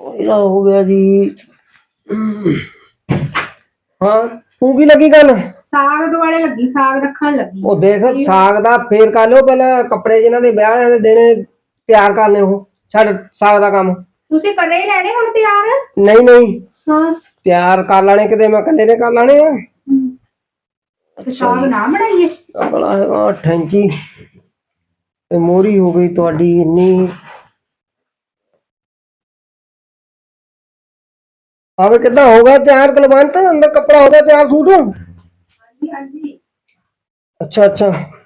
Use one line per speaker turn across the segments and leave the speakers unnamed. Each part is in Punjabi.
ਇਹਦਾ ਹੋ ਗਿਆ ਜੀ। ਹਾਂ ਤੂੰ ਕੀ ਲੱਗੀ ਗੱਲ?
ਸਾਗ ਦੁਆਲੇ ਲੱਗੀ, ਸਾਗ ਰੱਖਣ ਲੱਗੀ।
ਉਹ ਦੇਖ ਸਾਗ ਦਾ ਫੇਰ ਕਰ ਲਿਓ, ਪਹਿਲਾਂ ਕੱਪੜੇ ਜਿਨ੍ਹਾਂ ਦੇ ਵਿਆਹ ਦੇ ਦੇਣੇ ਤਿਆਰ ਕਰਨੇ, ਉਹ ਛੱਡ ਸਾਗ ਦਾ ਕੰਮ।
ਤੁਸੀਂ ਕਰੇ ਹੀ ਲੈਣੇ ਹੁਣ ਤਿਆਰ?
ਨਹੀਂ ਨਹੀਂ
ਹਾਂ
ਤਿਆਰ ਕਰ ਲੈਣੇ, ਕਿਤੇ ਮੈਂ ਇਕੱਲੇ ਨੇ ਕਰ ਲੈਣੇ ਆ।
ਤੇ ਸਾਗ ਨਾ ਬਣਾਈਏ?
ਬੜਾ ਹੈਗਾ ਠੈਂਕੀ ਤੇ ਮੋਹਰੀ ਹੋ ਗਈ ਤੁਹਾਡੀ ਇੰਨੀ। ਆਵੇ ਕਿੱਦਾਂ ਹੋਗਾ ਤਿਆਰ ਕੁਲਵੰਤ? ਅੰਦਰ ਕੱਪੜਾ ਹੋ ਗਿਆ ਤਿਆਰ ਸੂਟ?
ਹਾਂਜੀ ਹਾਂਜੀ।
ਅੱਛਾ ਅੱਛਾ।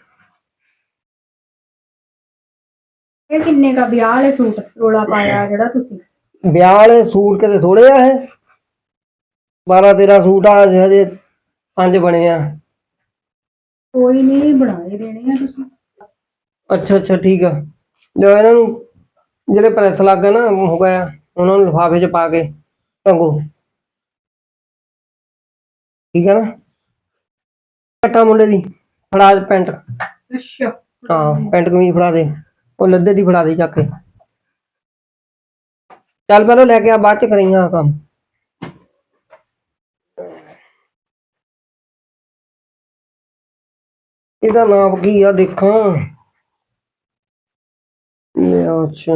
ਇਹ ਕਿੰਨੇ ਦਾ ਵਿਆਹ ਵਾਲੇ ਸੂਟ ਰੋਲਾ ਪਾਇਆ ਜਿਹੜਾ ਤੁਸੀਂ?
ਵਿਆਹ ਵਾਲੇ ਸੂਟ ਕਿਤੇ ਥੋੜੇ ਆ ਇਹ, 12-13 ਸੂਟ ਆ ਹਜੇ 5 ਬਣੇ ਆ।
ਕੋਈ ਨਹੀਂ ਬਣਾਏ ਦੇਣੇ ਆ ਤੁਸੀਂ।
ਅੱਛਾ ਅੱਛਾ ਠੀਕ ਆ। ਜੋ ਇਹਨਾਂ ਨੂੰ ਜਿਹੜੇ ਪ੍ਰੈਸ ਲੱਗ ਗਏ ਨਾ ਹੋ ਗਿਆ, ਉਹਨਾਂ ਨੂੰ ਲਿਫਾਫੇ 'ਚ ਪਾ ਕੇ ਟੰਗੋ, ਠੀਕ ਹੈ ਨਾ। ਘੱਟਾ ਮੁੰਡੇ ਦੀ ਫੜਾ ਪੈਂਟ।
ਅੱਛਾ
ਹਾਂ ਪੈਂਟ ਕਮੀਜ਼ ਫੜਾ ਦੇ, ਉਹ ਲੱਦੇ ਦੀ ਫੜਾ ਦੇ ਚੱਕ ਕੇ। ਚੱਲ ਪਹਿਲਾਂ ਲੈ ਕੇ ਆ, ਬਾਅਦ 'ਚ ਕਰੀ ਆ ਕੰਮ। ਇਹਦਾ ਨਾਪ ਕੀ ਆ ਦੇਖਾਂ। ਅੱਛਾ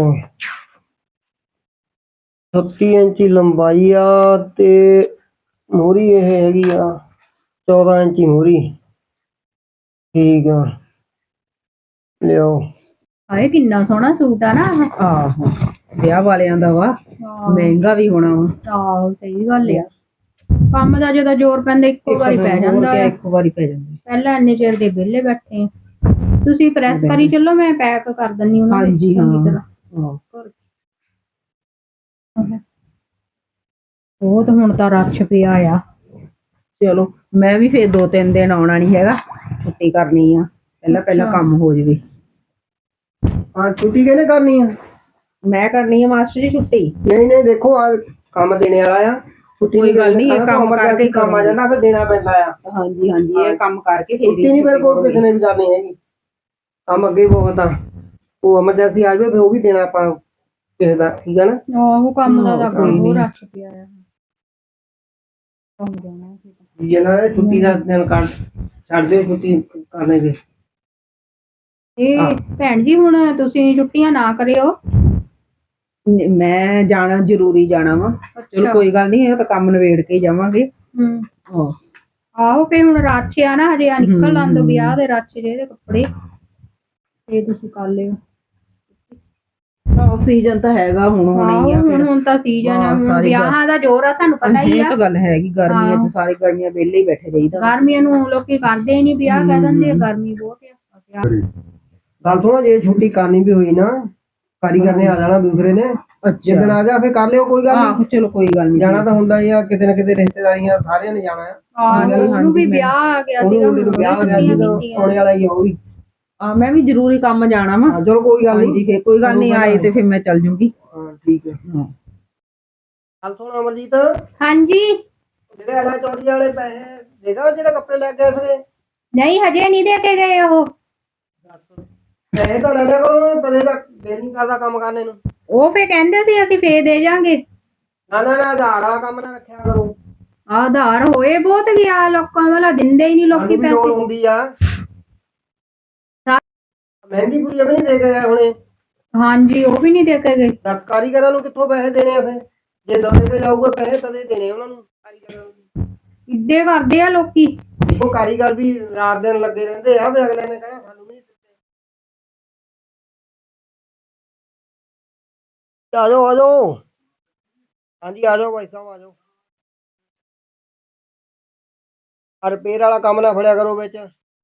36 ਇੰਚੀ ਲੰਬਾਈ ਆ ਤੇ ਮੋਹਰੀ ਇਹ ਹੈਗੀ ਆ 14 ਇੰਚੀ ਮੋਹਰੀ। ਠੀਕ ਆ ਲਿਓ।
ਹਾਏ ਕਿੰਨਾ ਸੋਹਣਾ ਸੂਟ ਆ ਨਾ ਆਹ।
ਆਹੋ ਵਿਆਹ ਵਾਲਿਆਂ ਦਾ ਵਾ, ਮਹਿੰਗਾ ਵੀ ਹੋਣਾ ਵਾ।
ਆਹੋ ਸਹੀ ਗੱਲ ਆ। ਕੰਮ ਦਾ ਜਦੋਂ ਜ਼ੋਰ ਪੈਂਦਾ ਇੱਕੋ ਵਾਰੀ ਪੈ ਜਾਂਦਾ ਆ।
ਇੱਕੋ ਵਾਰੀ ਪੈ ਜਾਂਦਾ।
ਪਹਿਲਾਂ ਇੰਨੇ ਚਿਰ ਦੇ ਵਿਹਲੇ ਬੈਠੇ ਆ। ਤੁਸੀਂ ਪ੍ਰੈਸ ਕਰੀ ਚੱਲੋ, ਮੈਂ ਪੈਕ ਕਰ ਦਿੰਦੀ ਉਹਨਾਂ ਦੇ।
ਹਾਂਜੀ ਹਾਂ
ਬਹੁਤ ਹੁਣ ਤਾਂ ਰਸ਼ ਪਿਆ ਆ।
ਚਲੋ ਮੈਂ ਵੀ ਫੇਰ 2-3 ਦਿਨ ਆਉਣਾ ਨੀ ਹੈਗਾ, ਛੁੱਟੀ ਕਰਨੀ ਆ। ਪਹਿਲਾਂ ਕੰਮ ਹੋ ਜਾਵੇ।
ਹਾਂ ਛੁੱਟੀ ਕਿਹਨੇ ਕਰਨੀ ਆ?
ਮੈਂ ਕਰਨੀ ਆ ਮਾਸਟਰ ਜੀ ਛੁੱਟੀ।
ਨਹੀਂ ਨਹੀਂ ਦੇਖੋ ਆ ਕੰਮ ਦੇਣੇ ਵਾਲਾ ਆ,
ਕੋਈ ਗੱਲ ਨਹੀਂ, ਇਹ ਕੰਮ ਕਰਕੇ
ਕੰਮ ਆ ਜਾਂਦਾ ਫਿਰ ਦੇਣਾ ਪੈਂਦਾ ਆ।
ਹਾਂਜੀ ਹਾਂਜੀ ਇਹ ਕੰਮ ਕਰਕੇ ਫੇਰ
ਛੁੱਟੀ ਨਹੀਂ ਮੇਰੇ ਕੋਲ ਕਿਸੇ ਨੇ ਵੀ ਕਰਨੀ ਹੈਗੀ, ਕੰਮ ਅੱਗੇ ਬਹੁਤ ਆ। ਉਹ ਐਮਰਜੈਂਸੀ ਆ ਜਾਵੇ ਫਿਰ ਉਹ ਵੀ ਦੇਣਾ ਆਪਾਂ ਕਿਸੇ ਦਾ, ਠੀਕ ਆ ਨਾ।
ਆਹੋ ਕੰਮ ਦਾ ਤਾਂ ਕੋਈ ਰਸ਼ ਪਿਆ ਆ।
ਜਿਹਨਾਂ ਨੇ ਛੁੱਟੀ ਦਾ ਦਿਨ ਕਰ ਛੱਡ ਦਿਓ, ਛੁੱਟੀ ਕਰਨੇ ਦੇ।
ਇਹ ਭੈਣ ਜੀ ਹੁਣ ਤੁਸੀਂ ਛੁੱਟੀਆਂ ਨਾ ਕਰਿਓ।
ਮੈਂ ਜਾਣਾ ਜ਼ਰੂਰੀ ਜਾਣਾ ਵਾ। ਚਲੋ ਕੋਈ ਗੱਲ ਨਹੀਂ, ਇਹ ਤਾਂ ਕੰਮ ਨਿਬੇੜ ਕੇ ਜਾਵਾਂਗੇ।
ਆਹੋ ਫੇ ਹੁਣ ਰਸ਼ ਆ ਨਾ ਹਜੇ, ਆ ਨਿਕਲ ਆਂਦੋ ਵਿਆਹ ਦੇ ਰਸ਼ ਜੇ ਦੇ ਕੱਪੜੇ ਇਹ ਤੁਸੀਂ ਕਰ ਲਿਓ।
ਸੀਜ਼ਨ ਤਾਂ ਹੈਗਾ ਹੁਣ ਹੋਣੀ ਆ।
ਹੁਣ ਤਾਂ ਸੀਜ਼ਨ ਆ, ਹੁਣ ਵਿਆਹਾਂ ਦਾ ਜ਼ੋਰ ਆ, ਤੁਹਾਨੂੰ ਪਤਾ ਹੀ ਆ।
ਇਹ ਤਾਂ ਗੱਲ ਹੈਗੀ, ਗਰਮੀਆਂ 'ਚ ਸਾਰੇ ਗਰਮੀਆਂ ਵਿਹਲੇ ਹੀ ਬੈਠੇ ਰਹੀਦਾ।
ਗਰਮੀਆਂ ਨੂੰ ਲੋਕੀ ਕਰਦੇ ਹੀ ਨਹੀਂ ਵਿਆਹ, ਕਹਿ ਦਿੰਦੇ ਆ ਗਰਮੀ ਬਹੁਤ ਆ।
ਗੱਲ ਸੁਣੋ, ਜੇ ਛੁੱਟੀ ਕਰਨੀ ਵੀ ਹੋਈ ਨਾ, ਕਾਰੀਗਰ ਨੇ ਆ ਜਾਣਾ ਦੂਸਰੇ ਨੇ, ਜਿੱਦਣ ਆ ਜਾ ਫੇਰ ਕਰ ਲਿਓ, ਕੋਈ ਗੱਲ ਨਹੀਂ।
ਚਲੋ ਕੋਈ ਗੱਲ ਨਹੀਂ,
ਜਾਣਾ ਤਾਂ ਹੁੰਦਾ ਹੀ ਆ ਕਿਤੇ ਨਾ ਕਿਤੇ, ਰਿਸ਼ਤੇਦਾਰੀਆਂ ਸਾਰਿਆਂ ਨੇ ਜਾਣਾ ਆ।
ਉਹਨੂੰ ਵੀ ਵਿਆਹ ਆ ਗਿਆ ਸੀਗਾ,
ਵਿਆਹ ਆ ਗਿਆ ਸੀਗਾ, ਆਉਣੇ ਵਾਲਾ ਹੀ ਆ ਉਹ ਵੀ।
ਮੈਂ ਵੀ ਜ਼ਰੂਰੀ ਕੰਮ ਜਾਣਾ ਵਾ।
ਚਲੋ ਕੋਈ ਗੱਲ ਨਹੀਂ,
ਫੇਰ ਕੋਈ ਗੱਲ ਨਹੀਂ, ਆਏ ਤੇ ਫਿਰ ਮੈਂ ਚੱਲ ਜੂੰਗੀ।
ਹਾਂ ਠੀਕ ਹੈ। ਗੱਲ ਸੁਣ ਅਮਰਜੀਤ।
ਹਾਂਜੀ।
ਜਿਹੜੇ ਆਲਾ ਚੌਧਰੀ ਵਾਲੇ ਪੈਸੇ ਦੇਗਾ, ਜਿਹੜੇ ਕੱਪੜੇ ਲੈ ਕੇ ਆਏ ਸੀਗੇ?
ਨਹੀਂ ਹਜੇ ਨਹੀਂ ਦੇ ਕੇ ਗਏ ਉਹ।
ਪੈਸੇ ਤਾਂ ਲੈ ਲਿਆ ਕਰੋ, ਤਦੇ ਤਾਂ ਦਿਲ ਨਹੀਂ ਕਰਦਾ ਕੰਮ ਕਰਨੇ ਨੂੰ।
ਉਹ ਫੇ ਕਹਿੰਦੇ ਸੀ ਅਸੀਂ ਫੇਰ ਦੇ ਜਾਾਂਗੇ।
ਨਾ ਨਾ ਨਾ, ਆਧਾਰ ਵਾਲਾ ਕੰਮ ਨਾ ਰੱਖਿਆ ਕਰੋ।
ਆਧਾਰ ਹੋਏ ਬਹੁਤ ਗਿਆ, ਲੋਕਾਂ ਵਾਲਾ ਦਿੰਦੇ ਹੀ ਨਹੀਂ ਲੋਕੀ ਪੈਸੇ।
ਲੋੜ ਹੁੰਦੀ ਆ, ਮਹਿੰਦੀ ਪੂਰੀ ਵੀ ਨਹੀਂ ਦੇ ਕੇ ਗਏ ਹੁਣੇ।
ਹਾਂਜੀ ਉਹ ਵੀ ਨਹੀਂ ਦੇ ਕੇ ਗਏ।
ਕਾਰੀਗਰਾਂ ਨੂੰ ਕਿੱਥੋਂ ਪੈਸੇ ਦੇਣੇ ਆ? ਫਿਰ ਜੇ ਦਵੇ ਕੇ ਜਾਊਗਾ ਪੈਸੇ ਤਦੇ ਦੇਣੇ ਉਹਨਾਂ ਨੂੰ, ਕਾਰੀਗਰਾਂ ਨੂੰ।
ਇੱਦੇ ਕਰਦੇ ਆ ਲੋਕੀ।
ਉਹ ਕਾਰੀਗਰ ਵੀ ਰਾਤ ਦਿਨ ਲੱਗੇ ਰਹਿੰਦੇ ਆ, ਵੀ ਅਗਲੇ ਨੇ ਕਹਿਣਾ ਸਾਨੂੰ ਵੀ ਦਿੱਤੇ। ਆ ਜਾਓ ਆ ਜਾਓ। ਹਾਂਜੀ ਆ ਜਾਓ ਭਾਈ ਸਾਹਿਬ, ਆ ਜਾਓ। ਰਿਪੇਅਰ ਵਾਲਾ ਕੰਮ ਨਾ ਫੜਿਆ ਕਰੋ ਵਿੱਚ।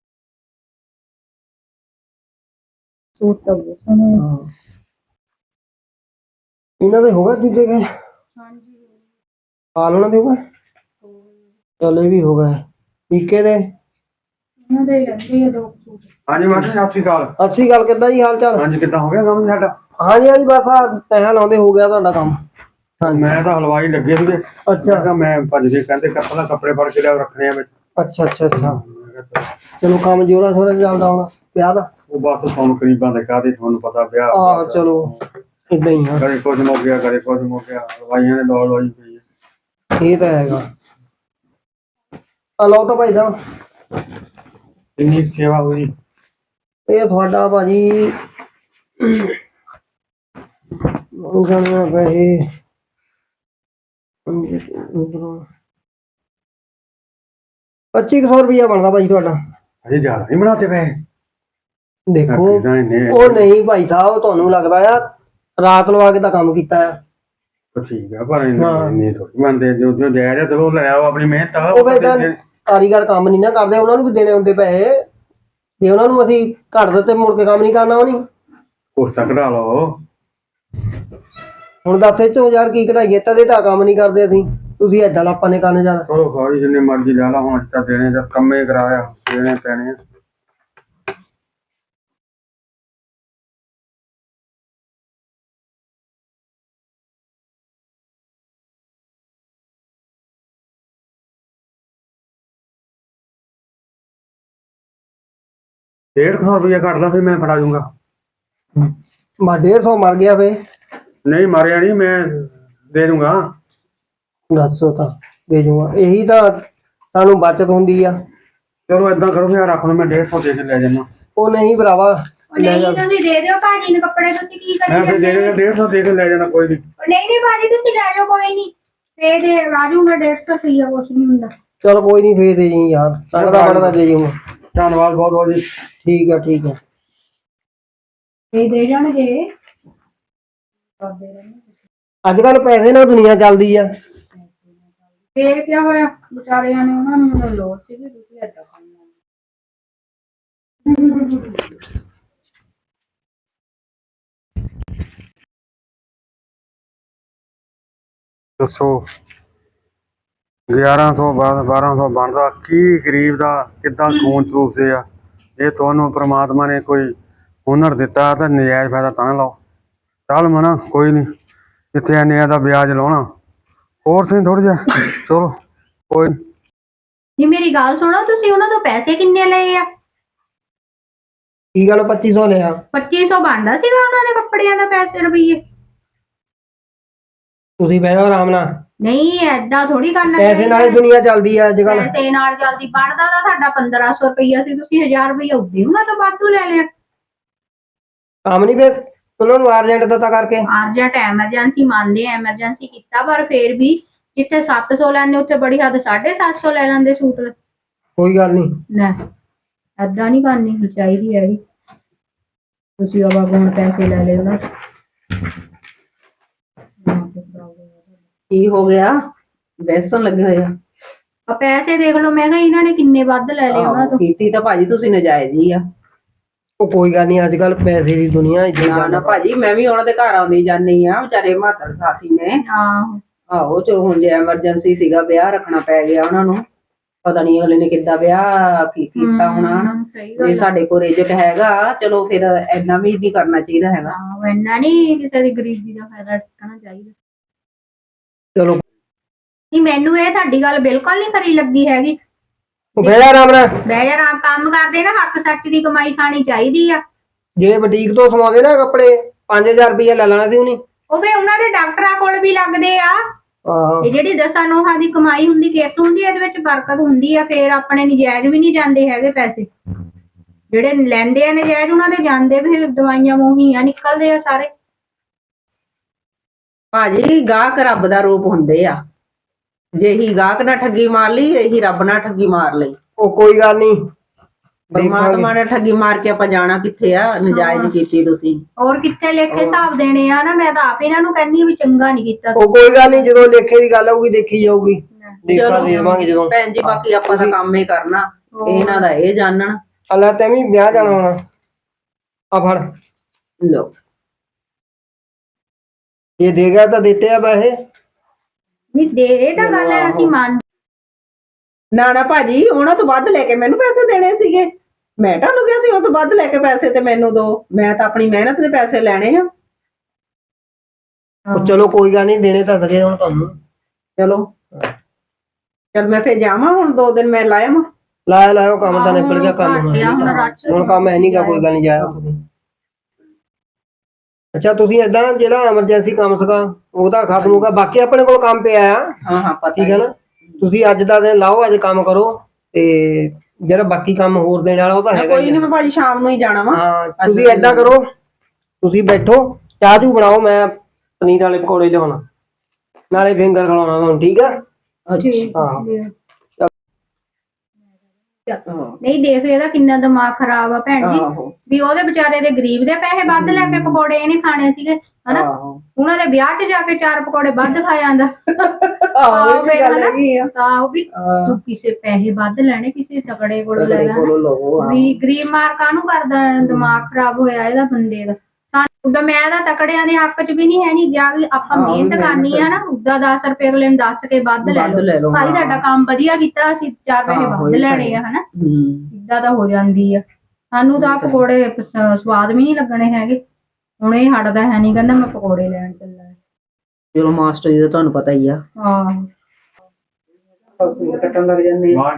ਇਹਨਾਂ ਦੇ ਹੋਗਾ ਦੂਜੇ ਕੇ?
ਹਾਂਜੀ
ਹਾਲ ਉਹਨਾਂ ਦੇ ਹੋਗਾ। ਚੱਲ ਇਹ ਵੀ ਹੋ ਗਏ ਟੀਕੇ ਦੇ।
ਉਹਨਾਂ ਦੇ ਰਹਿੰਦੇ ਆ 2 ਸੂਟ।
ਹਾਂਜੀ ਮਾਸਟਰ ਸਤਿ ਸ਼੍ਰੀ ਅਕਾਲ।
ਸਤਿ ਸ਼੍ਰੀ ਅਕਾਲ, ਕਿੱਦਾਂ ਜੀ ਹਾਲ ਚਾਲ?
ਹਾਂਜੀ ਕਿੱਦਾਂ ਹੋ ਗਿਆ ਕੰਮ ਸਾਡਾ?
ਹਾਂਜੀ ਹਾਂਜੀ ਬਸ ਆ ਪੈਸਾ ਲਾਉਂਦੇ ਹੋ ਗਿਆ ਤੁਹਾਡਾ ਕੰਮ।
ਮੈਂ ਤਾਂ ਹਲਵਾਈ ਲੱਗੇ ਸੀਗੇ।
ਅੱਛਾ
ਮੈਂ ਭੱਜ ਕੇ ਕਹਿੰਦੇ ਕੱਪੜੇ ਫੜ ਕੇ ਲਿਆ ਰੱਖਣੇ ਆ ਵਿੱਚ।
ਅੱਛਾ ਅੱਛਾ ਅੱਛਾ। ਚਲੋ ਕੰਮ ਜੋਰਾ ਸ਼ੋਰਾ ਚੱਲਦਾ ਹੋਣਾ ਵਿਆਹ ਦਾ।
ਉਹ ਬਸ ਤੁਹਾਨੂੰ ਕਰੀਬਾਂ ਦੇ ਕਾਹਦੇ, ਤੁਹਾਨੂੰ ਪਤਾ ਵਿਆਹ।
ਆਹ ਚਲੋ ਇਦਾਂ ਹੀ ਆ,
ਕਦੇ ਕੁਝ ਮੁੱਕ ਗਿਆ ਕਦੇ ਕੁਝ ਮੁੱਕ ਗਿਆ, ਹਲਵਾਈਆਂ ਨੇ ਦੌੜ ਹੋਈ ਪਈ ਹੈ।
ਇਹ ਤਾਂ ਹੈਗਾ। ਆ ਲਓ ਤਾਂ ਭਾਈ ਸਾਹਿਬ,
ਇੰਨੀ ਕੁ ਸੇਵਾ ਹੋਈ।
ਇਹ ਤੁਹਾਡਾ ਭਾਜੀ ਜਾਣਾ ਪੈਸੇ 2500 ਰੁਪਇਆ ਬਣਦਾ ਭਾਜੀ ਤੁਹਾਡਾ।
ਅਜੇ ਜ਼ਿਆਦਾ ਨਹੀਂ ਬਣਾਤੇ ਪਏ।
ਦੇਖੋ
ਇਹਨੇ
ਉਹ ਨਹੀਂ ਭਾਈ ਸਾਹਿਬ, ਤੁਹਾਨੂੰ ਲੱਗਦਾ ਆ ਰਾਤ ਲਵਾ ਕੇ ਤਾਂ ਕੰਮ ਕੀਤਾ ਆ।
ਠੀਕ ਆ, ਪਰ
ਹਾਂ।
ਇੰਨੀ ਥੋੜੀ ਮੰਨਦੇ, ਜੋ ਜੋ ਜਾਇਜ਼ ਆ ਚਲੋ ਲੈ ਆਓ ਆਪਣੀ ਮਿਹਨਤ ਆ।
ਉਹ ਫਿਰ ਤਾਂ ਕਾਰੀਗਰ ਕੰਮ ਨਹੀਂ ਨਾ ਕਰਦੇ, ਉਹਨਾਂ ਨੂੰ ਵੀ ਦੇਣੇ ਹੁੰਦੇ ਪੈਸੇ। ਜੇ ਉਹਨਾਂ ਨੂੰ ਅਸੀਂ ਘੱਟ ਦਿੱਤੇ ਮੁੜ ਕੇ ਕੰਮ ਨਹੀਂ ਕਰਨਾ ਉਹਨੇ।
ਉਸ ਤੱਕ ਕਢਾ ਲਓ।
ਹੁਣ ਦੱਸ ਇਹ ਚੋਂ ਯਾਰ ਕੀ ਕਢਾਈਏ, ਤਦੇ ਤਾਂ ਕੰਮ ਨਹੀਂ ਕਰਦੇ ਅਸੀਂ। ਤੁਸੀਂ ਐਡਾ ਲਾਪਾ ਨੇ ਕਰਨੇ ਜ਼ਿਆਦਾ।
ਚਲੋ ਖਾਈ ਜਿੰਨੇ ਮਰਜ਼ੀ ਲੈ ਲਾ, ਹੁਣ ਤਾਂ ਦੇਣੇ ਜਦ ਕੰਮੇ ਕਰਾਇਆ ਦੇਣੇ ਪੈਣੇ ਆ। ₹150 ਕੱਟ ਲਾ, ਫਿਰ ਮੈਂ ਫੜਾ ਜੂੰਗਾ।
ਬਸ 150 ਮਰ ਗਿਆ ਵੇ।
ਨਹੀਂ ਮਾਰਿਆ ਨਹੀਂ, ਮੈਂ ਦੇ ਦੂੰਗਾ।
ਦੱਸੋ ਤਾਂ ਦੇ ਜੂਗਾ, ਇਹੀ ਤਾਂ ਸਾਨੂੰ ਬਚਤ ਹੁੰਦੀ ਆ।
ਚਲੋ ਏਦਾਂ ਕਰੋ, ਫਿਰ ਰੱਖ ਲਓ, ਮੈਂ 150 ਦੇ ਕੇ ਲੈ ਜਾਣਾ।
ਉਹ ਨਹੀਂ ਭਰਾਵਾ,
ਨਹੀਂ ਤੁਸੀਂ ਦੇ ਦਿਓ ਭਾਜੀ ਨੂੰ ਕੱਪੜੇ, ਤੁਸੀਂ ਕੀ ਕਰੀ
ਮੈਂ ਫਿਰ ਦੇ ਦੇਣਾ 150 ਦੇ ਕੇ ਲੈ ਜਾਣਾ, ਕੋਈ ਨਹੀਂ।
ਨਹੀਂ ਨਹੀਂ ਭਾਜੀ ਤੁਸੀਂ ਲੈ ਜਾਓ, ਕੋਈ ਨਹੀਂ ਫੇਰ ਦੇ ਰਾਜੂਗਾ 150 ਰੁਪਇਆ, ਕੁਛ ਨਹੀਂ ਹੁੰਦਾ।
ਚਲ ਕੋਈ ਨਹੀਂ, ਫੇਰ ਦੇ ਜੀ ਯਾਰ, ਲੱਗਦਾ ਬੜਦਾ ਦੇ ਜੂਗਾ।
ਧੰਨਵਾਦ ਬਹੁਤ ਬਹੁਤ ਜੀ।
ਠੀਕ ਆ ਠੀਕ ਆ।
ਇਹ ਦੇ ਜਾਣਗੇ।
ਅੱਜ ਕੱਲ ਪੈਸੇ ਨਾਲ ਦੁਨੀਆ ਚੱਲਦੀ ਆ।
ਫੇਰ ਕੀ ਹੋਇਆ, ਵਿਚਾਰਿਆਂ ਨੇ ਉਹਨਾਂ ਨੂੰ ਲੋੜ ਸੀਗੀ, ਤੁਸੀਂ ਏਦਾਂ ਕਰਨਾ।
ਦੱਸੋ 1100 1200 ਬਣਦਾ ਕੀ, ਗਰੀਬ ਦਾ ਕਿੱਦਾਂ ਖੂਨ ਚੂਸਦੇ ਆ। ਇਹ ਤੁਹਾਨੂੰ ਪ੍ਰਮਾਤਮਾ ਨੇ ਕੋਈ ਹੁਨਰ ਦਿੱਤਾ ਤਾਂ ਨਜਾਇਜ਼ ਫਾਇਦਾ ਤਾਂ ਨਾ ਲਓ। ਚੱਲ ਮਨਾ ਕੋਈ ਨਹੀਂ, ਜਿੱਥੇ ਇੰਨੇ ਦਾ ਵਿਆਜ ਲਾਉਣਾ ਹੋਰ ਸਹੀ ਥੋੜ੍ਹਾ ਜਿਹਾ। ਚਲੋ ਕੋਈ ਨੀ।
ਨਹੀਂ ਮੇਰੀ ਗੱਲ ਸੁਣੋ, ਤੁਸੀਂ ਉਹਨਾਂ ਤੋਂ ਪੈਸੇ ਕਿੰਨੇ ਲਏ ਆ?
ਕੀ ਗੱਲ 2500 ਲਿਆ?
2500 ਬਣਦਾ ਸੀਗਾ ਉਹਨਾਂ ਦੇ ਕੱਪੜਿਆਂ ਦਾ ਪੈਸੇ ਰੁਪਈਏ।
ਤੁਸੀਂ ਬਹਿ ਜਾਓ ਆਰਾਮ ਨਾਲ।
ਨਹੀਂ ਐਦਾਂ ਥੋੜੀ ਕਰਨਾ
ਪੈਸੇ ਨਾਲ ਹੀ ਦੁਨੀਆ ਚੱਲਦੀ ਆ ਅੱਜ ਕੱਲ।
ਪੈਸੇ ਨਾਲ ਜਲਦੀ ਬਣਦਾ ਤਾਂ ਸਾਡਾ 1500 ਰੁਪਈਆ ਸੀ, ਤੁਸੀਂ 1000 ਰੁਪਈਆ ਉੱਦੇ ਉਹਨਾਂ ਤੋਂ ਵਾਧੂ ਲੈ ਲਿਆ।
ਕੰਮ ਨਹੀਂ ਫੇਰ ਉਹਨਾਂ ਨੂੰ ਅਰਜੈਂਟ ਦਿੱਤਾ ਕਰਕੇ।
ਅਰਜੈਂਟ ਐਮਰਜੈਂਸੀ ਮੰਨਦੇ ਆ, ਐਮਰਜੈਂਸੀ ਕੀਤਾ, ਪਰ ਫੇਰ ਵੀ ਜਿੱਥੇ 700 ਲੈਣੇ ਉੱਥੇ ਬੜੀ ਹੱਦ 750 ਲੈ ਲੈਂਦੇ ਸੂਟ ਦੇ।
ਕੋਈ ਗੱਲ ਨਹੀਂ,
ਨਾ ਏਦਾਂ ਨਹੀਂ ਕਰਨੀ ਚਾਹੀਦੀ ਹੈਗੀ। ਤੁਸੀਂ ਆਵਾਗੋਣ ਪੈਸੇ ਲੈ ਲਏ ਉਹਨਾਂ ਤੋਂ।
ਕੀ ਹੋ ਗਿਆ, ਬੈਸਣ ਲੱਗੇ ਹੋਏ ਆ?
ਆ ਪੈਸੇ ਦੇਖ ਲਓ, ਮੈਂ ਕਿਹਾ ਇਹਨਾਂ ਨੇ ਕਿੰਨੇ ਵੱਧ ਲੈ ਲਏ ਉਹਨਾਂ ਤੋਂ।
ਕੀਤੀ ਤਾਂ ਭਾਜੀ ਤੁਸੀਂ ਨਜਾਇਜ਼ ਹੀ ਆ।
ਉਹ ਕੋਈ ਗੱਲ ਨਹੀਂ, ਅੱਜ ਕੱਲ ਪੈਸੇ ਦੀ ਦੁਨੀਆ ਇਦਾਂ
ਨਾ ਨਾ ਭਾਜੀ, ਮੈਂ ਵੀ ਉਹਨਾਂ ਦੇ ਘਰ ਆਉਂਦੀ ਜਾਂਦੀ ਆ, ਵਿਚਾਰੇ ਮਾਤੜ ਸਾਥੀ ਨੇ।
ਆਹੋ
ਆਹੋ ਚਲੋ, ਹੁਣ ਜੇ ਐਮਰਜੈਂਸੀ ਸੀਗਾ, ਵਿਆਹ ਰੱਖਣਾ ਪੈ ਗਿਆ ਉਹਨਾਂ ਨੂੰ, ਪਤਾ ਨਹੀਂ ਅਗਲੇ ਨੇ ਕਿੱਦਾਂ ਵਿਆਹ ਕੀਤਾ ਹੋਣਾ।
ਸਹੀ
ਜੇ
ਗੱਲ।
ਸਾਡੇ ਕੋਲ ਰਿਜਕ ਹੈਗਾ, ਚਲੋ ਫਿਰ ਇੰਨਾ ਵੀ ਨਹੀਂ ਕਰਨਾ ਚਾਹੀਦਾ ਹੈਗਾ।
ਆਹੋ ਇੰਨਾ ਨਹੀਂ ਕਿਸੇ ਦੀ ਗਰੀਬੀ ਦਾ ਫਾਇਦਾ ਚੁੱਕਣਾ ਚਾਹੀਦਾ।
ਚਲੋ
ਨਹੀਂ ਮੈਨੂੰ ਇਹ ਤੁਹਾਡੀ ਗੱਲ ਬਿਲਕੁਲ ਨਹੀਂ ਖਰੀ ਲੱਗੀ ਹੈਗੀ।
ਉਹ ਬਹਿ ਜਾ ਆਰਾਮ ਨਾਲ।
ਬਹਿ ਜਾ, ਆਰਾਮ ਕੰਮ ਕਰਦੇ ਨਾ, ਹੱਕ ਸੱਚ ਦੀ ਕਮਾਈ ਖਾਣੀ ਚਾਹੀਦੀ ਆ।
ਜੇ ਬੁਟੀਕ ਤੋਂ ਸਮਾਉਂਦੇ ਨਾ ਕੱਪੜੇ 5000 ਰੁਪਇਆ ਲੈ ਲੈਣਾ ਸੀ ਉਹਨੇ।
ਉਹ ਵੀ ਉਹਨਾਂ ਦੇ ਡਾਕਟਰਾਂ ਕੋਲ ਵੀ ਲੱਗਦੇ ਆ।
ਆਹੋ
ਇਹ ਜਿਹੜੀ 10 ਨੋਹਾਂ ਦੀ ਕਮਾਈ ਹੁੰਦੀ, ਕਿਰਤ ਹੁੰਦੀ, ਇਹਦੇ ਵਿੱਚ ਬਰਕਤ ਹੁੰਦੀ ਆ। ਫੇਰ ਆਪਣੇ ਨਜਾਇਜ਼ ਵੀ ਨਹੀਂ ਜਾਂਦੇ ਹੈਗੇ ਪੈਸੇ। ਜਿਹੜੇ ਲੈਂਦੇ ਆ ਨਜਾਇਜ਼, ਉਹਨਾਂ ਦੇ ਜਾਂਦੇ ਵੀ ਦਵਾਈਆਂ ਮੂੰਹੀਆਂ ਨਿਕਲਦੇ ਆ ਸਾਰੇ।
ਭਾਜੀ ਗਾਹਕ ਰੱਬ ਦਾ ਰੂਪ ਹੁੰਦੇ ਆ, ਜੇ ਹੀ ਗਾਹਕ ਨਾਲ ਠੱਗੀ ਮਾਰ ਲਈ, ਇਹੀ ਰੱਬ ਨਾਲ ਠੱਗੀ ਮਾਰ ਲਈ।
ਉਹ ਕੋਈ ਗੱਲ ਨਹੀਂ,
ਪਰਮਾਤਮਾ ਨੇ ਠੱਗੀ ਮਾਰ ਕੇ ਆਪਾਂ ਜਾਣਾ ਕਿੱਥੇ ਆ? ਨਜਾਇਜ਼ ਕੀਤੀ ਤੁਸੀਂ।
ਹੋਰ ਕਿੱਥੇ ਲੇਖੇ ਹਿਸਾਬ ਦੇਣੇ ਆ ਨਾ। ਮੈਂ ਤਾਂ ਆਪ ਇਹਨਾਂ ਨੂੰ ਕਹਿੰਦੀ ਵੀ ਚੰਗਾ ਨਹੀਂ ਕੀਤਾ।
ਉਹ ਕੋਈ ਗੱਲ ਨਹੀਂ, ਜਦੋਂ ਲੇਖੇ ਦੀ ਗੱਲ ਆਊਗੀ ਦੇਖੀ ਜਾਊਗੀ। ਦੇਖਾ
ਚਲੋ
ਦੇਵਾਂਗੇ ਜਦੋਂ।
ਭੈਣ ਜੀ, ਬਾਕੀ ਆਪਾਂ ਤਾਂ ਕੰਮ ਹੀ ਕਰਨਾ, ਇਹਨਾਂ ਦਾ ਇਹ ਜਾਣਨ।
ਅੱਲਾ ਤੈਨੂੰ ਵੀ ਵਿਆਹ ਜਾਣਾ ਹੋਣਾ, ਆ ਫੜ।
ਲੋ
ਇਹ ਦੇ ਗਿਆ ਤਾਂ ਦਿੱਤੇ ਆ ਪੈਸੇ।
ਨਹੀਂ ਦੇ, ਇਹ ਤਾਂ ਗੱਲ ਹੈ ਅਸੀਂ ਮੰਨ।
ਨਾ ਨਾ ਭਾਜੀ, ਉਹਨਾਂ ਤੋਂ ਵੱਧ ਲੈ ਕੇ ਮੈਨੂੰ ਪੈਸੇ ਦੇਣੇ ਸੀਗੇ। ਮੈਂ ਤੁਹਾਨੂੰ ਕਿਹਾ ਸੀ ਉਹ ਤੋਂ ਵੱਧ ਲੈ ਕੇ ਪੈਸੇ ਤੇ ਮੈਨੂੰ ਦੋ। ਮੈਂ ਤਾਂ ਆਪਣੀ ਮਿਹਨਤ ਦੇ ਪੈਸੇ ਲੈਣੇ ਆ।
ਉਹ ਚਲੋ ਕੋਈ ਗੱਲ ਨਹੀਂ, ਦੇਣੇ ਤਾਂ ਸਕੇ ਹੁਣ ਤੁਹਾਨੂੰ।
ਚਲੋ ਚਲ ਮੈਂ ਫੇਰ ਜਾਵਾਂ, ਹੁਣ 2 ਦਿਨ ਮੈਂ ਲਾਇਆ ਵਾ।
ਲਾਇਆ ਕੰਮ ਤਾਂ ਨਿਕਲ ਗਿਆ। ਕੰਮ ਹੁਣ ਕੰਮ ਹੈ ਨਹੀਂਗਾ, ਕੋਈ ਗੱਲ ਨਹੀਂ, ਜਾਇਆ ਤੁਸੀਂ। ਅੱਛਾ ਤੁਸੀਂ ਏਦਾਂ ਜਿਹੜਾ ਐਮਰਜੈਂਸੀ ਕੰਮ ਸੀਗਾ ਉਹਦਾ ਖਤਮ ਹੋਗਾ, ਬਾਕੀ ਆਪਣੇ ਕੋਲ ਕੰਮ ਪਿਆ ਆ।
ਹਾਂ ਹਾਂ ਪਤਾ
ਠੀਕ ਹੈ ਨਾ, ਤੁਸੀਂ ਅੱਜ ਦਾ ਦਿਨ ਲਾਓ, ਅੱਜ ਕੰਮ ਕਰੋ, ਤੇ ਜਿਹੜਾ ਬਾਕੀ ਕੰਮ ਹੋਰ ਦੇਣ ਵਾਲਾ ਉਹ ਤਾਂ ਹੈਗਾ
ਕੋਈ
ਹੀ
ਨਹੀਂ,
ਆ।
ਮੈਂ ਭਾਜੀ ਸ਼ਾਮ ਨੂੰ ਹੀ ਜਾਣਾ ਵਾ।
ਹਾਂ ਤੁਸੀਂ ਏਦਾਂ ਕਰੋ, ਤੁਸੀਂ ਬੈਠੋ, ਚਾਹ ਚੂ ਬਣਾਓ, ਮੈਂ ਪਨੀਰ ਵਾਲੇ ਪਕੌੜੇ ਲਿਆਉਣਾ, ਨਾਲੇ ਫਿੰਗਰ ਖਿਲਾਉਣਾ ਤੁਹਾਨੂੰ, ਠੀਕ ਆ।
ਠੀਕ
ਹਾਂ।
ਨਹੀਂ ਦੇਖ ਇਹਦਾ ਕਿੰਨਾ ਦਿਮਾਗ ਖਰਾਬ ਆ ਭੈਣ ਜੀ,
ਆਹੋ
ਵੀ ਉਹਦੇ ਵਿਚਾਰੇ ਦੇ ਗਰੀਬ ਦੇ ਪੈਸੇ ਵੱਧ ਲੈ ਕੇ ਪਕੌੜੇ ਇਹਨੇ ਖਾਣੇ ਸੀਗੇ ਹਨਾ,
ਆਹੋ
ਉਹਨਾਂ ਦੇ ਵਿਆਹ 'ਚ ਜਾ ਕੇ 4 ਪਕੌੜੇ ਵੱਧ ਖਾ ਜਾਂਦਾ।
ਆਹੋ, ਇਹ ਵੀ ਗੱਲ ਹੈਗੀ ਆ।
ਤਾਂ ਉਹ ਵੀ ਤੂੰ ਕਿਸੇ ਪੈਸੇ ਵੱਧ ਲੈਣੇ ਕਿਸੇ ਤਕੜੇ ਕੋਲੋਂ ਲੈ
ਤਗੜੇ
ਲੈ
ਕੋਲੋਂ ਲਵੋ।
ਵੀ ਗਰੀਬ ਮਾਰ ਕਾਹਨੂੰ ਕਰਦਾ ਹੈ? ਦਿਮਾਗ ਖਰਾਬ ਹੋਇਆ ਇਹਦਾ ਬੰਦੇ ਦਾ। ਉਦਾਂ ਮੈਂ ਤਾਂ ਤਕੜਿਆਂ ਦੇ ਹੱਕ 'ਚ ਵੀ ਨਹੀਂ ਹੈ ਨਹੀਂ, ਜਾ ਕੇ ਆਪਾਂ ਮਿਹਨਤ ਕਰਨੀ ਆ ਨਾ, ਉਦਾਂ 10 ਰੁਪਏ ਅਗਲੇ ਨੂੰ ਦੱਸ ਕੇ ਵੱਧ ਲੈ ਲਓ, ਭਾਈ ਸਾਡਾ ਕੰਮ ਵਧੀਆ ਕੀਤਾ, ਅਸੀਂ 4 ਪੈਸੇ ਵੱਧ ਲੈਣੇ ਆ ਹਨਾ, ਇਦਾਂ ਤਾਂ ਹੋ ਜਾਂਦੀ ਆ। ਸਾਨੂੰ ਤਾਂ ਪਕੌੜੇ ਸਵਾਦ ਵੀ ਨਹੀਂ ਲੱਗਣੇ ਹੈਗੇ। ਹੁਣ ਇਹ ਹਟਦਾ ਹੈ ਨਹੀਂ, ਕਹਿੰਦਾ ਮੈਂ ਪਕੌੜੇ ਲੈਣ ਚੱਲਾ।
ਚਲੋ ਮਾਸਟਰ ਜੀ ਦਾ ਤੁਹਾਨੂੰ ਪਤਾ ਹੀ ਆ।
ਹਾਂ
ਸੂਟ ਕੱਟਣ ਲੱਗ ਜਾਂਦੇ ਆ।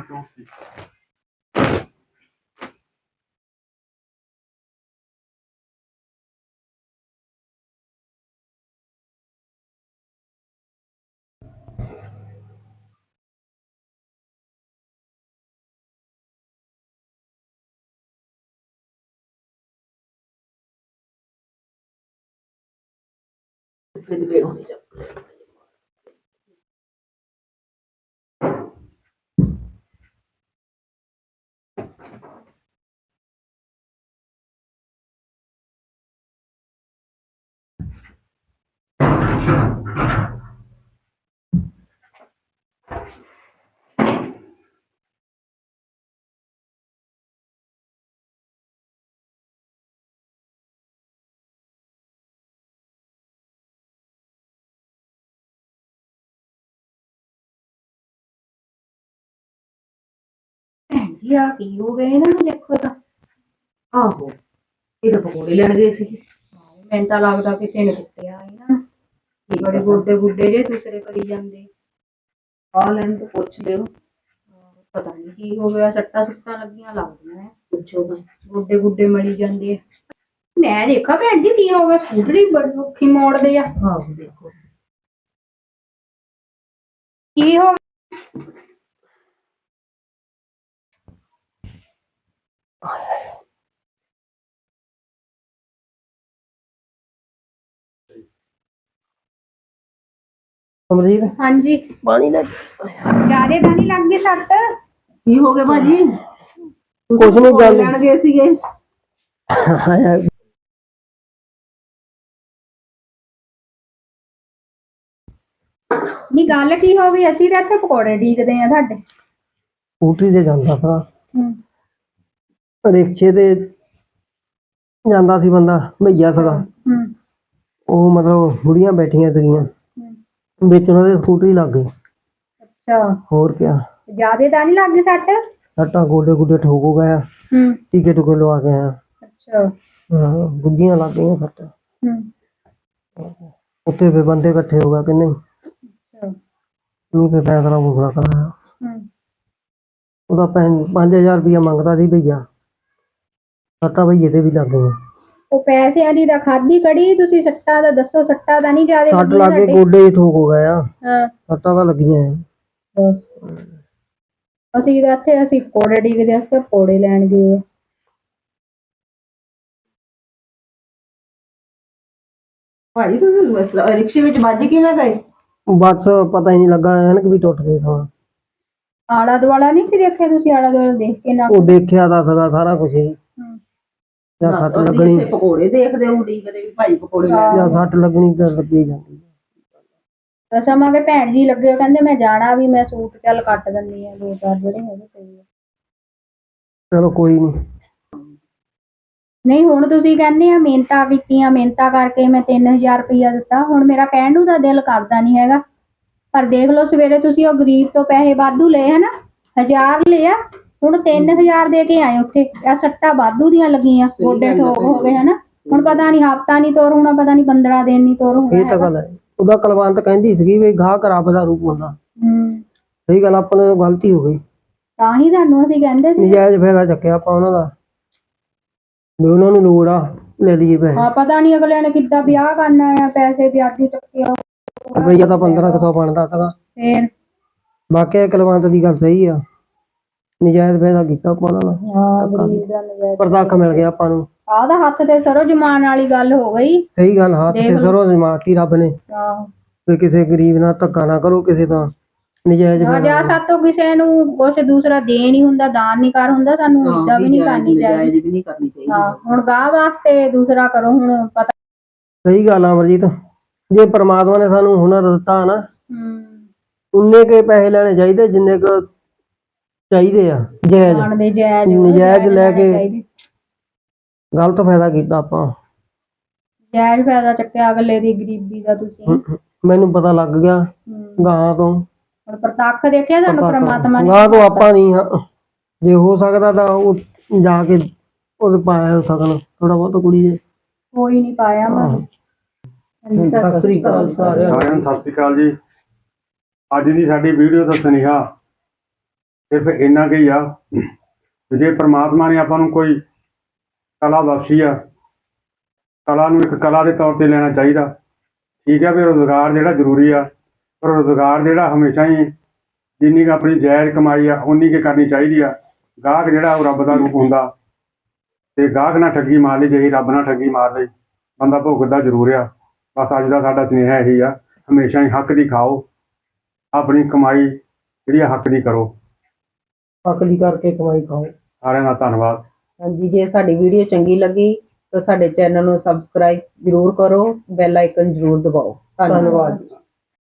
ਭੈਣ ਜੀ ਆ ਕੀ ਹੋ ਗਏ ਇਹਨਾਂ ਨੂੰ ਦੇਖੋ ਤਾਂ।
ਆਹੋ ਇਹ ਤਾਂ ਪਕੌੜੇ ਲੈਣ ਗਏ ਸੀ।
ਮੈਨੂੰ ਤਾਂ ਲੱਗਦਾ ਕਿਸੇ ਨੇ ਕੁੱਟਿਆ ਇਹਨਾਂ ਨੂੰ, ਬੜੇ ਗੋਡੇ ਗੁੱਡੇ ਜੇ ਦੂਸਰੇ ਕਰੀ ਜਾਂਦੇ।
ਆ ਲੈਣ ਤੋਂ ਪੁੱਛ ਲਿਓ।
ਪਤਾ ਨਹੀਂ ਕੀ ਹੋ ਗਿਆ, ਸੱਟਾਂ ਸੁੱਟਾਂ ਲੱਗੀਆਂ ਲੱਗਦੀਆਂ ਐ,
ਪੁੱਛੋ
ਗੋਡੇ ਗੁੱਡੇ ਮਲੀ ਜਾਂਦੇ ਆ। ਮੈਂ ਦੇਖਾ ਭੈਣ ਜੀ ਕੀ ਹੋ ਗਿਆ, ਸਕੂਟਰੀ ਬੜੀ ਔਖੀ ਮੋੜਦੇ ਆ।
ਆਹੋ ਦੇਖੋ
ਕੀ ਹੋ ਗਿਆ?
ਅਮਰੀਤ
ਹਾਂਜੀ
ਪਾਣੀ ਲੈ।
ਜਿਆਦੇ ਤਾਂ ਨਹੀਂ ਲੱਗ ਗਈ ਸੱਟ?
ਕੀ ਹੋ ਗਿਆ ਭਾਜੀ?
ਕੁਛ ਨੀ ਗੱਲ
ਲੈਣ ਗਏ ਸੀਗੇ।
ਨਹੀਂ ਗੱਲ ਕੀ ਹੋ ਗਈ? ਅਸੀਂ ਤਾਂ ਇੱਥੇ ਪਕੌੜੇ ਢੀਕਦੇ ਆ ਤੁਹਾਡੇ।
ਸਕੂਟਰੀ ਤੇ ਜਾਂਦਾ ਭਰਾ,
ਹੂੰ
ਰਿਕਸ਼ੇ ਤੇ ਜਾਂਦਾ ਸੀ ਬੰਦਾ, ਭਈਆ ਸੀਗਾ,
ਹੂੰ
ਉਹ ਮਤਲਬ ਬੁੜੀਆਂ ਬੈਠੀਆਂ ਸੀਗੀਆਂ ਵਿੱਚ, ਉਹਨਾਂ ਦੇ ਸਕੂਟਰੀ ਲੱਗ ਗਈ।
ਅੱਛਾ
ਹੋਰ ਕਿਆ,
ਜਿਆਦੇ ਤਾਂ ਨਹੀਂ ਲੱਗ ਗਈ ਸੱਟ?
ਸੱਟਾਂ ਗੋਡੇ ਗੁੱਡੇ ਠੋਕ ਹੋ ਗਿਆ,
ਹੂੰ
ਟੀਕੇ ਟੂਕੇ ਲਵਾ ਕੇ ਆਇਆ।
ਅੱਛਾ
ਹਾਂ ਗੁੱਝੀਆਂ ਲੱਗ ਗਈਆਂ ਸੱਟਾਂ।
ਹੂੰ
ਉੱਥੇ ਫਿਰ ਬੰਦੇ ਇਕੱਠੇ ਹੋ ਗਏ ਕਿ ਨਹੀਂ,
ਅੱਛਾ
ਨਹੀਂ ਫਿਰ ਫੈਸਲਾ ਫੂਸਲਾ ਕਰਾਇਆ।
ਹੂੰ
ਉਹਦਾ 5000 ਰੁਪਇਆ ਮੰਗਦਾ ਸੀ ਭਈਆ, ਸੱਟਾਂ ਭਈਏ ਤੇ ਵੀ ਲੱਗ ਗਈਆਂ।
ਉਹ ਪੈਸਿਆਂ ਦੀ ਤਾਂ ਖਾਦੀ ਕੜੀ, ਤੁਸੀਂ ਸੱਟਾਂ ਦਾ ਦੱਸੋ, ਸੱਟਾਂ ਦਾ ਨਹੀਂ ਜਿਆਦੇ
ਸੱਟ ਲੱਗ ਕੇ ਗੋਡੇ ਹੀ ਠੋਕ ਹੋ ਗਏ ਆ,
ਹਾਂ
ਸੱਟਾਂ ਤਾਂ ਲੱਗੀਆਂ ਆ।
ਅਸੀਂ ਤਾਂ ਇੱਥੇ ਅਸੀਂ ਪਕੌੜੇ ਡੀਕਦੇ, ਅਸੀਂ ਤਾਂ ਪਕੌੜੇ ਲੈਣ ਗਏ।
ਭਾਜੀ ਤੁਸੀਂ ਰਿਕਸ਼ੇ ਵਿੱਚ ਵੱਜ ਕਿਵੇਂ ਗਏ?
ਬਸ ਪਤਾ ਹੀ ਨਹੀਂ ਲੱਗਾ, ਐਨਕ ਵੀ ਟੁੱਟ ਗਈ ਥਾਂ।
ਆਲਾ ਦੁਆਲਾ ਨਹੀਂ ਸੀ ਦੇਖਿਆ ਤੁਸੀਂ? ਆਲਾ ਦੁਆਲਾ ਦੇਖ ਕੇ ਨਾ
ਉਹ ਦੇਖਿਆ ਤਾਂ ਸੀਗਾ ਸਾਰਾ ਕੁਝ ਹੀ, ਜਾਂ ਸੱਟ
ਅਸੀਂ
ਲੱਗਣੀ,
ਇੱਥੇ ਪਕੌੜੇ ਦੇਖਦੇ ਹੁੰਦੀ ਕਦੇ ਵੀ ਭਾਈ ਪਕੌੜੇ ਲੈਣ।
ਜਾਂ ਸੱਟ ਲੱਗਣੀ ਤਾਂ ਲੱਗੀ ਜਾਂਦੀ।
ਦਸਾਂਗੇ ਭੈਣ ਜੀ ਲੱਗੇ ਕਹਿੰਦੇ ਮੈਂ ਜਾਣਾ ਵੀ, ਮੈਂ ਸੂਟ ਚੱਲ ਕੱਟ ਦਿੰਦੀ ਆ 2-4 ਜਿਹੜੇ ਹੈਗੇ ਸਹੀ ਆ।
ਚਲੋ ਕੋਈ ਨਹੀਂ।
ਨਹੀਂ ਹੁਣ ਤੁਸੀਂ ਕਹਿੰਦੇ ਆ ਮਿਹਨਤਾਂ ਕੀਤੀਆਂ, ਮਿਹਨਤਾਂ ਕਰਕੇ ਮੈਂ 3000 ਰੁਪਇਆ ਦਿੱਤਾ, ਹੁਣ ਮੇਰਾ ਕਹਿਣ ਨੂੰ ਤਾਂ ਦਿਲ ਕਰਦਾ ਨਹੀਂ ਹੈਗਾ, ਪਰ ਦੇਖ ਲਓ ਸਵੇਰੇ ਤੁਸੀਂ ਉਹ ਗਰੀਬ ਤੋਂ ਪੈਸੇ ਵਾਧੂ ਲਏ ਹਨਾ, 1000 ਲਿਆ, ਹੁਣ 3000 ਦੇ ਕੇ ਆਏ ਉੱਥੇ, ਆ ਸੱਟਾਂ ਵਾਧੂ ਦੀਆਂ ਲੱਗੀਆਂ, ਗੋਡੇ ਠੋਕ ਹੋ ਗਏ ਹਨਾ। ਹੁਣ ਪਤਾ ਨਹੀਂ ਹਫ਼ਤਾ ਨਹੀਂ ਤੁਰ ਹੋਣਾ, ਪਤਾ ਨਹੀਂ 15 ਦਿਨ ਨਹੀਂ ਤੁਰ ਹੋਣਾ।
ਇਹ ਤਾਂ ਗੱਲ ਹੈ, ਉਹਦਾ ਕਲਵੰਤ ਕਹਿੰਦੀ ਸੀਗੀ ਵੀ ਗਾਹਕ ਰੱਬ ਦਾ ਰੂਪ ਹੁੰਦਾ। ਸਹੀ ਗੱਲ, ਆਪਣੇ ਤੋਂ ਗਲਤੀ ਹੋ ਗਈ,
ਤਾਂ ਹੀ ਤੁਹਾਨੂੰ ਅਸੀਂ ਕਹਿੰਦੇ ਸੀ।
ਨਜਾਇਜ਼ ਫਾਇਦਾ ਚੱਕਿਆ ਆਪਾਂ ਉਹਨਾਂ ਦਾ, ਵੀ ਉਹਨਾਂ ਨੂੰ ਲੋੜ ਆ ਲੈ ਲਈਏ ਪੈਸੇ।
ਹਾਂ ਪਤਾ ਨਹੀਂ ਅਗਲਿਆਂ ਨੇ ਕਿੱਦਾਂ ਵਿਆਹ ਕਰਨਾ ਆ, ਪੈਸੇ ਵਿਆਜੂ ਚੱਕੇ ਆ।
ਰੁਪਈਆ ਤਾਂ 1500 ਬਣਦਾ ਸੀਗਾ।
ਫੇਰ
ਵਾਕਿਆ ਕੁਲਵੰਤ ਦੀ ਗੱਲ ਸਹੀ ਆ, ਨਜਾਇਜ਼ ਪੈਸਾ ਕੀਤਾ ਆਪਾਂ ਨਾਲ,
ਹਾਂ ਗਰੀਬ ਦਾ ਨਜ਼ਾਰਾ।
ਪਰਦਾਖ ਮਿਲ ਗਿਆ ਆਪਾਂ ਨੂੰ।
ਆਹ ਤਾਂ ਹੱਥ ਤੇ ਸਰੋਂ ਜਮਾਨ ਵਾਲੀ ਗੱਲ ਹੋ ਗਈ।
ਸਹੀ ਗੱਲ, ਹੱਥ ਤੇ ਸਰੋਂ ਜਮਾਤੀ ਰੱਬ ਨੇ।
ਆਹੋ
ਵੀ ਕਿਸੇ ਗਰੀਬ ਨਾਲ ਧੱਕਾ ਨਾ ਕਰੋ, ਕਿਸੇ ਦਾ ਨਜਾਇਜ਼
ਨਾ
ਫਾਇਦਾ
ਜਾ ਸਾਤੋਂ ਕਿਸੇ ਨੂੰ ਕੁਛ ਦੂਸਰਾ ਦੇ ਨਹੀਂ ਹੁੰਦਾ, ਦਾਨ ਨਹੀਂ ਕਰ ਹੁੰਦਾ, ਸਾਨੂੰ ਏਦਾਂ ਵੀ ਨਹੀਂ ਕਰਨੀ ਚਾਹੀਦੀ।
ਵੀ ਨਹੀਂ ਕਰਨੀ ਚਾਹੀਦੀ।
ਹਾਂ ਹੁਣ ਗਾਹ ਵਾਸਤੇ ਦੂਸਰਾ ਕਰੋ, ਹੁਣ ਪਤਾ।
ਸਹੀ ਗੱਲ ਆ ਅਮਰਜੀਤ, ਜੇ ਪ੍ਰਮਾਤਮਾ ਨੇ ਸਾਨੂੰ ਹੁਨਰ ਦਿੱਤਾ ਨਾ, ਉਨੇ ਕੇ ਪੈਸੇ ਲੈਣੇ ਚਾਹੀਦੇ ਜਿੰਨੇ ਕੁ ਚਾਹੀਦੇ ਆ। ਜਾਇਜ਼
ਦਾਨ ਦੇ ਜਾਇਜ਼
ਨਜਾਇਜ਼ ਲੈ ਕੇ
ਚਾਹੀਦੇ।
ਗਲਤ ਫਾਇਦਾ ਕੀਤਾ ਆਪਾਂ।
ਜਾਇਜ਼ ਫਾਇਦਾ ਚੱਕਿਆ ਅਗਲੇ ਦੀ ਗਰੀਬੀ ਦਾ ਤੁਸੀਂ।
ਮੈਨੂੰ ਪਤਾ ਲੱਗ ਗਿਆ ਗਾਂ ਤੋਂ।
ਹੁਣ ਪ੍ਰਤੱਖ ਦੇਖਿਆ ਤੁਹਾਨੂੰ ਪ੍ਰਮਾਤਮਾ ਨੇ।
ਗਾਂ ਤੋਂ ਆਪਾਂ ਨਹੀਂ, ਜੇ ਹੋ ਸਕਦਾ ਤਾਂ ਉਹ ਜਾ ਕੇ ਉਹਦੇ ਪਾਇਆ ਸਕਣ ਥੋੜਾ ਬਹੁਤ ਕੁੜੀ ਦੇ।
ਕੋਈ ਨਹੀਂ ਪਾਇਆ ਮੈਂ।
ਸਤਿ ਸ੍ਰੀ ਅਕਾਲ ਸਾਰਿਆਂ
ਸਾਰਿਆਂ ਨੂੰ ਸਤਿ ਸ੍ਰੀ ਅਕਾਲ ਜੀ। ਅੱਜ ਦੀ ਸਾਡੀ ਵੀਡੀਓ ਦਾ ਸੁਨੇਹਾ ਸਿਰਫ ਇੰਨਾ ਕੁ ਹੀ ਆ ਵੀ ਜੇ ਪ੍ਰਮਾਤਮਾ ਨੇ ਆਪਾਂ ਨੂੰ ਕੋਈ ਕਲਾ ਬਖਸ਼ੀ ਆ, ਕਲਾ ਨੂੰ ਇੱਕ ਕਲਾ ਦੇ ਤੌਰ ਤੇ ਲੈਣਾ ਚਾਹੀਦਾ। ਠੀਕ ਹੈ ਵੀ ਰੁਜ਼ਗਾਰ ਜਿਹੜਾ ਜ਼ਰੂਰੀ ਆ, ਪਰ ਰੁਜ਼ਗਾਰ ਜਿਹੜਾ ਹਮੇਸ਼ਾ ਹੀ ਜਿੰਨੀ ਕੁ ਆਪਣੀ ਜਾਇਜ਼ ਕਮਾਈ ਆ ਉਨੀ ਕੁ ਕਰਨੀ ਚਾਹੀਦੀ ਆ। ਗਾਹਕ ਜਿਹੜਾ ਉਹ ਰੱਬ ਦਾ ਰੂਪ ਹੁੰਦਾ, ਤੇ ਗਾਹਕ ਨਾਲ ਠੱਗੀ ਮਾਰ ਲਈ, ਜਿਹੀ ਰੱਬ ਨਾਲ ਠੱਗੀ ਮਾਰ ਲਈ ਬੰਦਾ ਭੁਗਤਦਾ ਜ਼ਰੂਰ ਆ। ਬਸ ਅੱਜ ਦਾ ਸਾਡਾ ਸੁਨੇਹਾ ਇਹੀ ਆ, ਹਮੇਸ਼ਾ ਹੀ ਹੱਕ ਦੀ ਖਾਓ, ਆਪਣੀ ਕਮਾਈ ਜਿਹੜੀ ਆ ਹੱਕ ਦੀ ਕਰੋ।
ਹੱਕ ਦੀ ਕਰਕੇ ਕਮਾਈ ਖਾਓ।
ਸਾਰਿਆਂ ਦਾ ਧੰਨਵਾਦ।
ਹਾਂਜੀ, ਜੇ ਸਾਡੀ ਵੀਡੀਓ ਚੰਗੀ ਲੱਗੀ ਤਾਂ ਸਾਡੇ ਚੈਨਲ ਨੂੰ ਸਬਸਕ੍ਰਾਈਬ ਜ਼ਰੂਰ ਕਰੋ, ਬੈਲ ਆਈਕਨ ਜ਼ਰੂਰ ਦਬਾਓ।
ਧੰਨਵਾਦ।